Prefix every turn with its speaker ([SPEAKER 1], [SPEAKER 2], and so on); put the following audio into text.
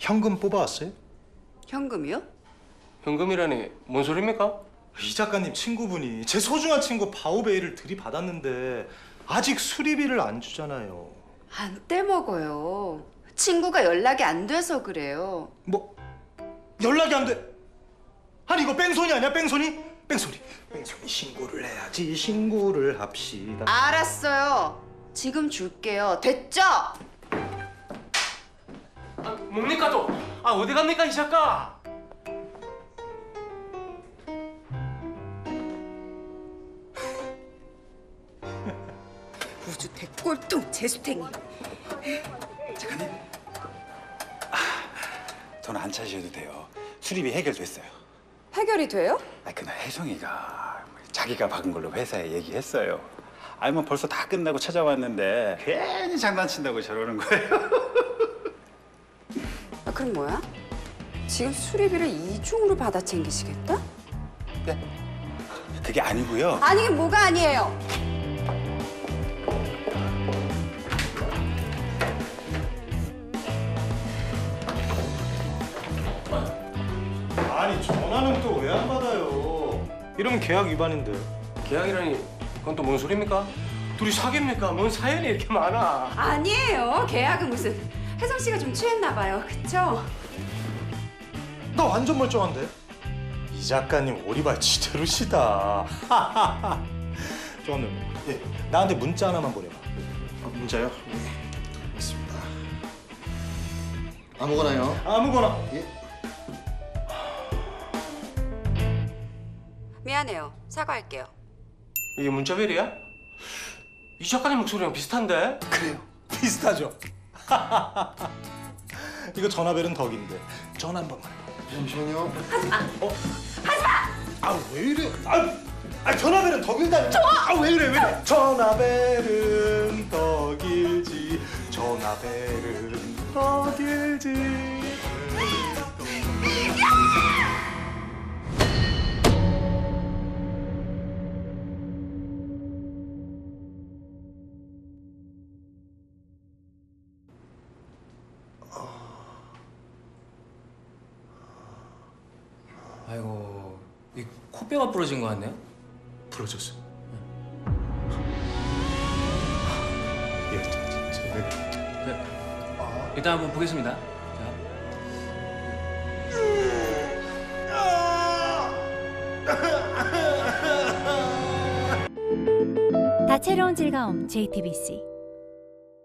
[SPEAKER 1] 현금 뽑아왔어요?
[SPEAKER 2] 현금이요?
[SPEAKER 3] 현금이라니 뭔 소리입니까?
[SPEAKER 1] 이 작가님 친구분이 제 소중한 친구 바오베이를 들이받았는데 아직 수리비를 안 주잖아요.
[SPEAKER 2] 안 떼먹어요. 친구가 연락이 안 돼서 그래요.
[SPEAKER 1] 뭐 연락이 안 돼? 아니 이거 뺑소니 아니야? 뺑소니 신고를 해야지. 신고를 합시다.
[SPEAKER 2] 알았어요. 지금 줄게요. 됐죠?
[SPEAKER 3] 아, 뭡니까 또? 아 어디 갑니까 이 작가?
[SPEAKER 2] 우주 대꼴통 재수탱이.
[SPEAKER 4] 돈 안 차셔도 돼요. 수리비 해결됐어요.
[SPEAKER 2] 해결이 돼요?
[SPEAKER 4] 그날 혜성이가 자기가 박은 걸로 회사에 얘기했어요. 알면 벌써 다 끝나고 찾아왔는데 괜히 장난친다고 저러는 거예요.
[SPEAKER 2] 아, 그럼 뭐야? 지금 수리비를 이중으로 받아 챙기시겠다?
[SPEAKER 4] 그게 아니고요.
[SPEAKER 2] 아니긴 뭐가 아니에요.
[SPEAKER 1] 아니 전화는 또 왜 안 받아요? 이러면 계약 위반인데.
[SPEAKER 3] 계약이라니 그건 또 뭔 소리입니까? 둘이 사귀입니까? 뭔 사연이 이렇게 많아?
[SPEAKER 2] 아니에요. 계약은 무슨. 혜성 씨가 좀 취했나 봐요. 그쵸?
[SPEAKER 1] 나 완전 멀쩡한데? 이 작가님 오리발 지대로시다. 저는 나한테 문자 하나만 보내봐.
[SPEAKER 5] 문자요? 네, 있습니다. 아무거나요.
[SPEAKER 1] 아무거나.
[SPEAKER 5] 예.
[SPEAKER 2] 미안해요. 사과할게요.
[SPEAKER 3] 이게 문자벨이야? 이 작가님 목소리랑 비슷한데?
[SPEAKER 1] 그래요. 비슷하죠? 이거 전화벨은 덕인데 전화 한 번만 해봐.
[SPEAKER 5] 잠시만요.
[SPEAKER 1] 아 왜 이래? 아 전화벨은 덕일다니. 아왜 이래 왜 이래? 전화벨은 덕일지. 전화벨은 덕일지.
[SPEAKER 6] 아이고, 이 코뼈가 부러진 것 같네요.
[SPEAKER 1] 부러졌어. 야 진짜.
[SPEAKER 6] 네. 일단 한번 보겠습니다. 자.
[SPEAKER 7] 다채로운 즐거움 JTBC